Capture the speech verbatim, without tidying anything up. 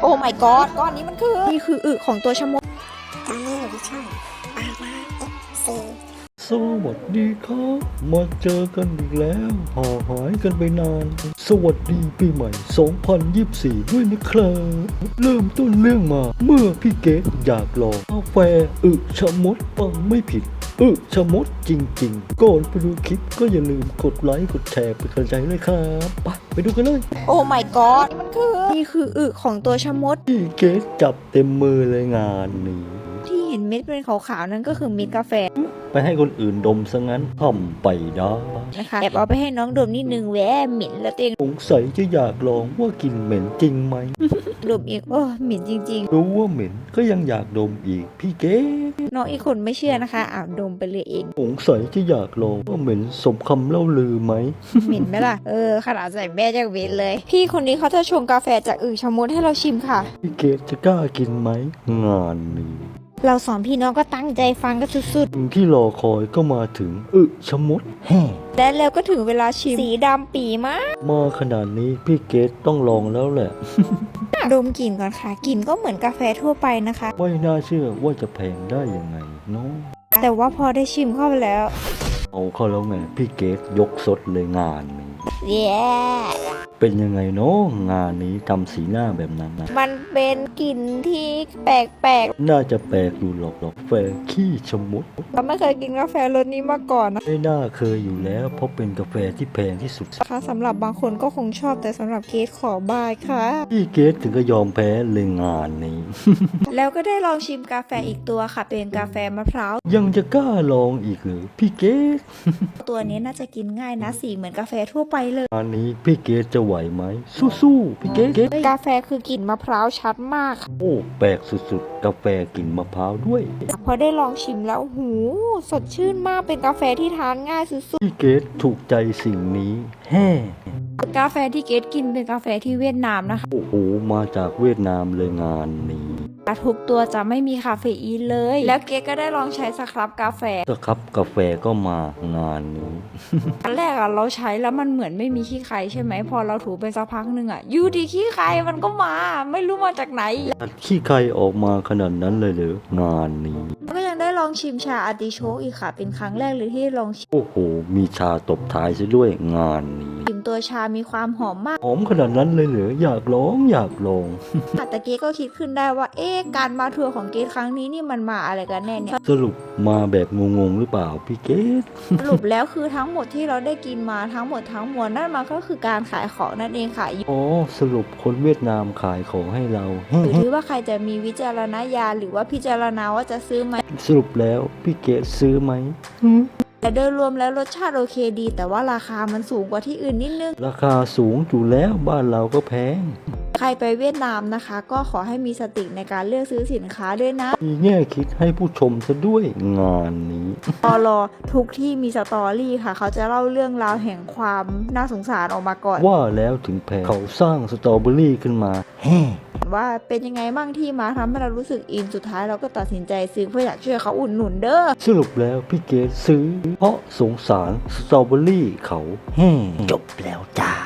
โอ้ my god ก้อนนี้มันคือนี่คืออึของตัวชะมดตอนนี้อยู่ที่ช่องปาราเอฟซีสวัสดีครับมาเจอกันอีกแล้วห่างหายกันไปนาน สวัสดีปีใหม่ สองพันยี่สิบสี่ ด้วยนะครับเริ่มต้นเรื่องมาเมื่อพี่เกดอยากลองกาแฟอึชะมดฟังไม่ผิดอึชะมดจริงๆก่อนไปดูคลิปก็อย่าลืมกดไลค์กดแชร์เป็นกำลังใจด้วยครับไปไปดูกันเลยโอ้ my god นี่มันคือนี่คืออึของตัวชะมดพี่เกดจับเต็มมือเลยงานนี้ที่เห็นเม็ดเป็นขาวๆนั่นก็คือเม็ดกาแฟไปให้คนอื่นดมซะงั้นทำไปได้นะคะแอบเอาไปให้น้องดมนิดนึงแหวะเหม็นแล้วตัวเองสงสัยจะอยากลองว่ากลิ่นเหม็นจริงไหมดมอีกโอ้เหม็นจริงรู้ว่าเหม็นก็ยังอยากดมอีกพี่เก๋ๆน้องอีกคนไม่เชื่อนะคะอ้าวดมไปเลยเองสงสัยจะอยากลองว่าเหม็นสมคำเล่าลือไหมเหม็นไหมล่ะเออขนาดใส่แม่จากเวทเลย พี่คนนี้เขาจะชงกาแฟจากอึชะมดให้เราชิมค่ะพี่เก๋จะกล้ากินไหมงานนี้เราสองพี่น้องก็ตั้งใจฟังกันสุดสิ่งที่รอคอยก็มาถึงอึชะมดแห่ๆและแล้วก็ถึงเวลาชิมสีดำปีมากมาขนาดนี้พี่เกดต้องลองแล้วแหละดมกลิ่นก่อนค่ะกลิ่นก็เหมือนกาแฟทั่วไปนะคะไม่น่าเชื่อว่าจะแพงได้ยังไงเนาะแต่ว่าพอได้ชิมเข้าไปแล้วเอาเข้าแล้วไงพี่เกดยกสดเลยงานนี้เย้เป็นยังไงเนาะงานนี้ทำสีหน้าแบบนั้นนะมันเป็นกลิ่นที่แปลกน่าจะแปลกอยู่หรอกหรอกแฟขี้ชะมดๆเราไม่เคยกินกาแฟรสนี้มาก่อนนะไม่น่าเคยอยู่แล้วเพราะเป็นกาแฟที่แพงที่สุดคะสำหรับบางคนก็คงชอบแต่สำหรับเกสขอบายค่ะพี่เกดถึงก็ยอมแพ้เลยงานนี้แล้วก็ได้ลองชิมกาแฟอีกตัวค่ะ เป็นกาแฟมะพร้าวยังจะกล้าลองอีกเหรือพี่เกดตัวนี้น่าจะกินง่ายนะสีเหมือนกาแฟทั่วไปเลยงานนี้พี่เกดจะไหวไหมสู้ๆพี่เกดกาแฟคือกลิ่นมะพร้าวชัดมากค่ะโอ้แปลกสุดๆ กาแฟกลิ่นมะพร้าวด้วยพอได้ลองชิมแล้วหูสดชื่นมากเป็นกาแฟที่ทานง่ายสุดพี่เกดถูกใจสิ่งนี้แฮ่ๆกาแฟที่เกสกินเป็นกาแฟที่เวียดนามนะคะโอ้โหมาจากเวียดนามเลยงานนี้ทุกตัวจะไม่มีคาเฟอีนเลย แล้วเกสก็ได้ลองใช้สครับกาแฟก็ครับกาแฟก็มางานนี้อันแรกอะเราใช้แล้วมันเหมือนไม่มีขี้ใครใช่ไหมพอเราถูไปสักพักหนึ่งอะอยูดีขี้ใครมันก็มา ไม่รู้มาจากไหนตัดขี้ใครออกมาขนาดนั้นเลยเหรองานนี้แล้วก็ยังได้ลองชิมชาอาร์ติโชกอีกค่ะ เป็นครั้งแรกเลยที่ลองชิมโอ้โห มีชาตบท้ายซะด้วยงานนี้ตัวชามีความหอมมากหอมขนาดนั้นเลยเหรออยากลองอยากลองแต่เกสก็คิดขึ้นได้ว่าเอ๊ะการมาทัวร์ของเกสครั้งนี้นี่มันมาอะไรกันแน่เนี่ยสรุปมาแบบงงๆหรือเปล่าพี่เกดสรุปแล้วคือทั้งหมดที่เราได้กินมาทั้งหมดทั้งมวลนั่นมันก็คือการขายของนั่นเองค่ะอ๋อสรุปคนเวียดนามขายของให้เราอยู่ที่ว่าใครจะมีวิจารณญาณหรือว่าพิจารณาว่าจะซื้อไหมสรุปแล้วพี่เกดซื้อไหมแต่โดยรวมแล้วรสชาติโอเคดี แต่ว่าราคามันสูงกว่าที่อื่นนิดนึงราคาสูงอยู่แล้วบ้านเราก็แพงใครไปเวียดนามนะคะ ก็ขอให้มีสติในการเลือกซื้อสินค้าด้วยนะมีแง่คิดให้ผู้ชมซะด้วยงานนี้ตอรอทุกที่มีสตอรี่ค่ะ เขาจะเล่าเรื่องราวแห่งความน่าสงสารออกมาก่อนว่าแล้วถึงแพงเขาสร้างสตรอเบอรี่ขึ้นมาแฮ่ว่าเป็นยังไงบ้างที่มาทำให้เรารู้สึกอินสุดท้ายเราก็ตัดสินใจซื้อเพื่ออยากช่วยเขาอุดหนุนเด้อสรุปแล้วพี่เกดซื้อเพราะสงสารสตรอเบอรี่เขาแฮ่จบแล้วจ้า